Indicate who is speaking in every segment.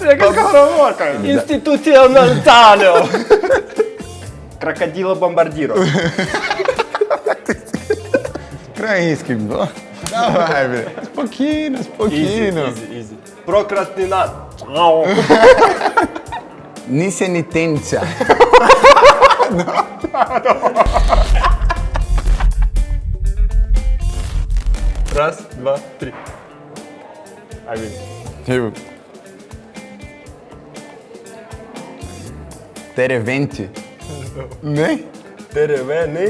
Speaker 1: Всяка скороговорка. Институционального. Крокодила бомбардиро.
Speaker 2: Український, бо. Давай, бля. Спокійно, спокійно.
Speaker 1: Easy. Прокрастинат.
Speaker 2: Нісенітенця.
Speaker 1: Раз, два, три. Один.
Speaker 2: Теревенті. Не?
Speaker 1: Теревени.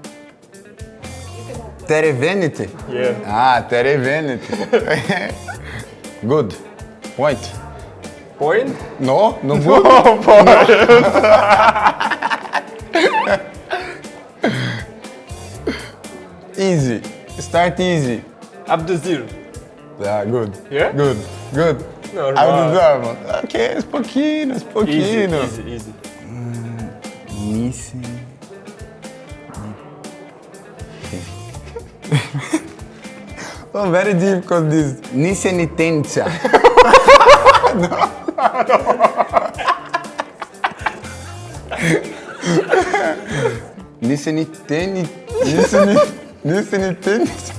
Speaker 2: Теревеніті.
Speaker 1: Yeah.
Speaker 2: А, теревеніті. Good. Point.
Speaker 1: Point.
Speaker 2: No, no good. Easy. Start easy.
Speaker 1: Абдузир.
Speaker 2: Yeah, good.
Speaker 1: Yeah?
Speaker 2: Good.
Speaker 1: Нормально.
Speaker 2: Абдузамон. Окей, спокійно, спокійно.
Speaker 1: Easy.
Speaker 2: Місі. Oh, very difficult this. Нісенітенця. Нісенітенця.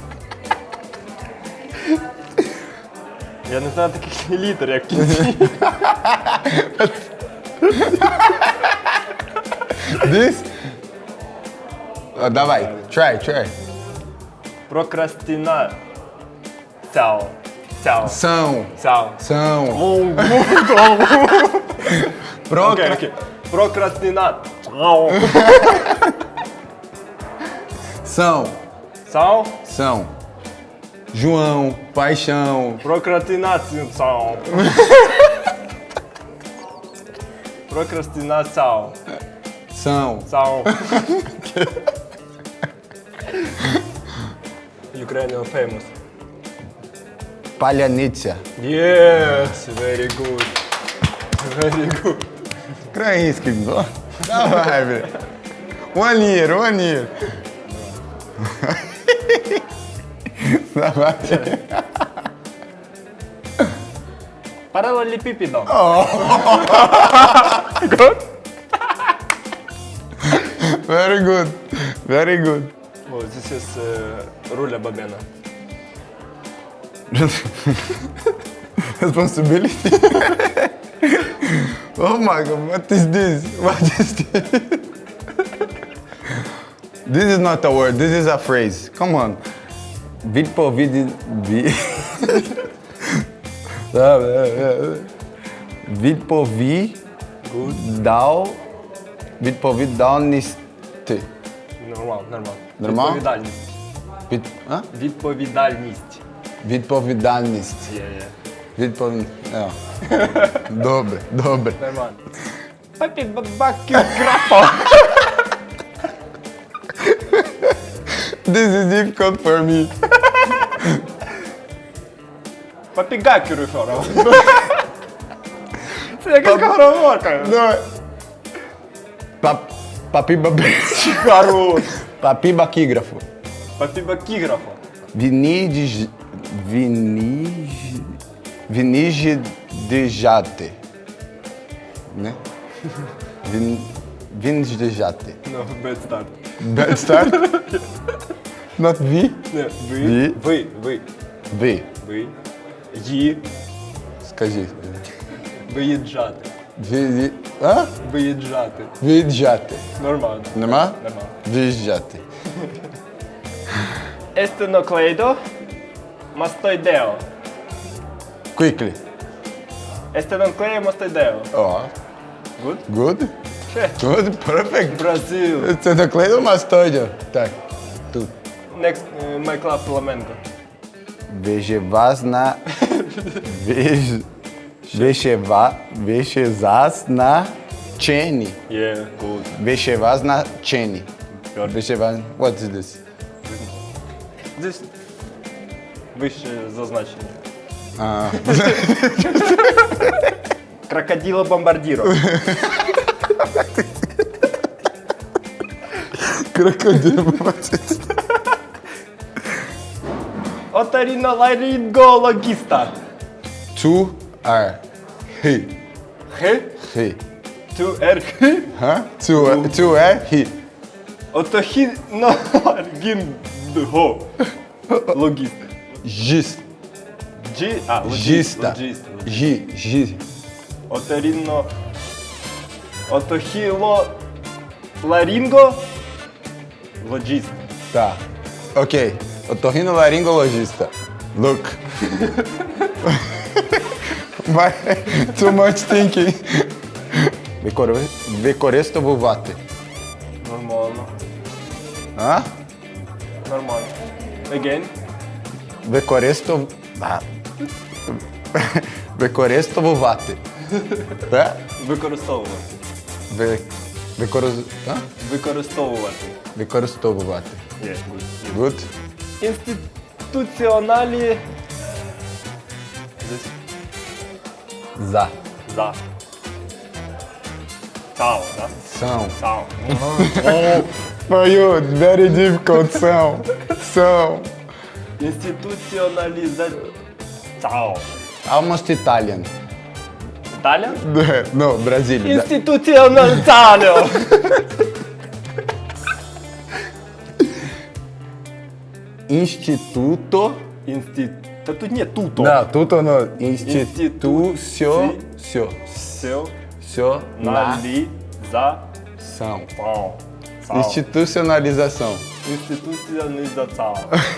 Speaker 1: Я не знаю таких літер, як в кінці.
Speaker 2: This? Давай, try.
Speaker 1: Прокрастина. Цяо.
Speaker 2: São.
Speaker 1: Окей. Прокрастинат.
Speaker 2: São. João, paixão.
Speaker 1: Прокрастинацию. Прокрастинацию.
Speaker 2: São.
Speaker 1: Ukrainian famous.
Speaker 2: Паляниця.
Speaker 1: Yes, very good.
Speaker 2: Український, бо. Давай, бля. One year. Давай.
Speaker 1: Параллелепипедом.
Speaker 2: Very good.
Speaker 1: Oh, this is Руля Бабена.
Speaker 2: Responsibility. Oh my god, what is this? This is not a word, this is a phrase. Come on. Відповідальність.
Speaker 1: Нормал.
Speaker 2: Відповідальність.
Speaker 1: Відповідальність.
Speaker 2: Відповідальність.
Speaker 1: Yeah.
Speaker 2: Добре.
Speaker 1: Нормально. Папі бабаки графа.
Speaker 2: This is difficult for me.
Speaker 1: Папі гакеру фору. Це яка скороговорка.
Speaker 2: Давай.
Speaker 1: Хорош.
Speaker 2: Папібакіграфу.
Speaker 1: Папі бакіграфа.
Speaker 2: Вінігідежати. Не? Вінждежати.
Speaker 1: No, bad start.
Speaker 2: Bad start? Not V?
Speaker 1: Не,
Speaker 2: Ві?
Speaker 1: ви.
Speaker 2: V.
Speaker 1: Ї.
Speaker 2: Скажи.
Speaker 1: Виїжджати.
Speaker 2: А?
Speaker 1: Виїжджати.
Speaker 2: Виїжджати.
Speaker 1: Нормально.
Speaker 2: Нема?
Speaker 1: Нормально.
Speaker 2: Виїжджати.
Speaker 1: Естеноклейдо. Мастоїдео.
Speaker 2: Quickly.
Speaker 1: Естеноклею мастоїдео.
Speaker 2: Oh.
Speaker 1: Good?
Speaker 2: Good?
Speaker 1: Ще.
Speaker 2: Good, perfect.
Speaker 1: Бразил.
Speaker 2: Це наклеїв мастоїдо? Так. Тут.
Speaker 1: Next, my club Flamenco.
Speaker 2: Виживазна. Вишевазна чені.
Speaker 1: Yeah, good.
Speaker 2: Вишевазна чені. Вишевазна. What is this?
Speaker 1: Здесь вище зазначення. Крокодила бомбардиро.
Speaker 2: Крокодил.
Speaker 1: Оториноларингологиста.
Speaker 2: To are. He.
Speaker 1: Х.
Speaker 2: He.
Speaker 1: Ту ер х.
Speaker 2: Huh? To he.
Speaker 1: Отохіноларгінго. Логіст.
Speaker 2: Gis.
Speaker 1: Джі.
Speaker 2: Gista.
Speaker 1: Логіст.
Speaker 2: Gi.
Speaker 1: Оторінно. Отохіло. Ларінго. Логіст.
Speaker 2: Tá. Ok. Otorrinolaringologista. Look. Vai. Too much thinking. Використовувати.
Speaker 1: Нормально.
Speaker 2: А?
Speaker 1: Нормально. Again.
Speaker 2: Використовувати. Так?
Speaker 1: Використовувати. Використовувати.
Speaker 2: Використовувати.
Speaker 1: Є.
Speaker 2: Good.
Speaker 1: Інституціоналі.
Speaker 2: За.
Speaker 1: За. Цао, да?
Speaker 2: São.
Speaker 1: Цао.
Speaker 2: For you, it's very difficult. São.
Speaker 1: Інституціоналіза. Цао.
Speaker 2: Almost Italian.
Speaker 1: Італія?
Speaker 2: No, Brazilian.
Speaker 1: Інституціоналізаціо.
Speaker 2: Instituto.
Speaker 1: Та тут ні, туто.
Speaker 2: Não, tudo no.
Speaker 1: Institucio-
Speaker 2: Institucionalização.
Speaker 1: Все. Налі. За. Цао. Цао.
Speaker 2: Institucionalização.
Speaker 1: Інституціоналізація.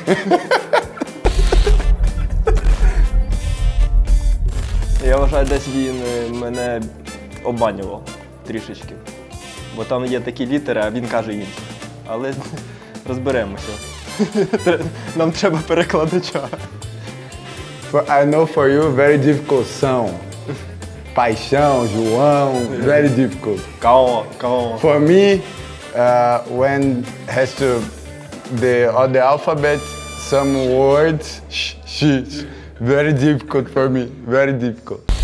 Speaker 1: Я вважаю, десь він мене обманював трішечки. Бо там є такі літери, а він каже інші. Але розберемося. Нам треба перекладача.
Speaker 2: I know for you, very difficult. São. Paixão, João, very difficult.
Speaker 1: Као.
Speaker 2: For me, when has to the alphabet, some words, very difficult for me, very difficult.